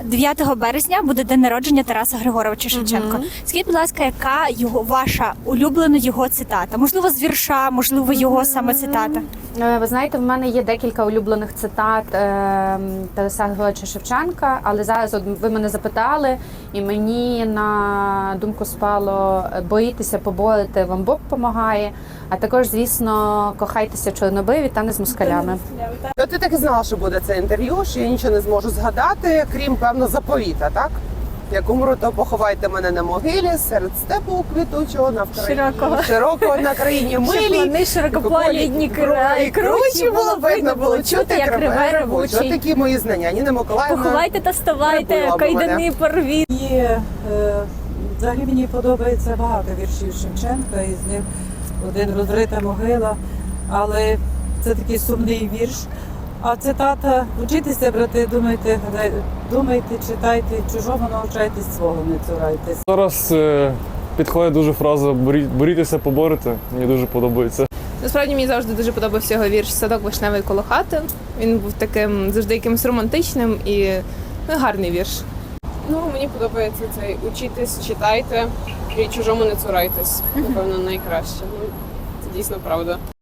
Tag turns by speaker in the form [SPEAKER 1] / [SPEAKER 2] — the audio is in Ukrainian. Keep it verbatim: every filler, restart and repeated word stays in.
[SPEAKER 1] дев'ятого березня буде день народження Тараса Григоровича Шевченка.
[SPEAKER 2] Мгм.
[SPEAKER 1] Скажіть, будь ласка, яка його ваша улюблена його цитата? Можливо, з вірша, можливо, його саме цитата.
[SPEAKER 2] Е, Ви знаєте, в мене є декілька улюблених цитат е, Тараса Григоровича Шевченка, але зараз от ви мене запитали, і мені на думку спало: боїтеся поборити, вам Бог помагає. А також, звісно, кохайтеся в чорнобриві та не з москалями.
[SPEAKER 3] То ти так і знала, що буде це інтерв'ю, що я нічого не зможу згадати, крім, певно, заповіта, так? Як умру, то поховайте мене на могилі, серед степу квітучого, на Вкраїні,
[SPEAKER 1] Широкого.
[SPEAKER 3] широкого на країні милій.
[SPEAKER 1] Вони широкополі, дні
[SPEAKER 3] і кручі було видно, було чути, як реве ревучий. Ось такі мої знання. Ніна Миколаївна.
[SPEAKER 1] Поховайте та ставайте,
[SPEAKER 3] прибула б
[SPEAKER 1] кайдани
[SPEAKER 3] мене.
[SPEAKER 1] порвіть.
[SPEAKER 4] І е, взагалі мені подобається багато віршів Шевченка, і з них один «Розрита могила», але це такий сумний вірш. А цитата: «Учітеся, брати, думайте, гадай- думайте, читайте, чужого навчайтесь, свого не цурайтесь».
[SPEAKER 5] Зараз е, підходить дуже фраза «борі- борітеся, поборете». Мені дуже подобається.
[SPEAKER 6] Насправді мені завжди дуже подобався його вірш «Садок вишневий коло хати». Він був таким завжди якимось романтичним і ну, гарний вірш.
[SPEAKER 7] Ну, мені подобається цей «учітесь, читайте і чужому не цурайтесь». Напевно, найкраще. Ну, це дійсно правда.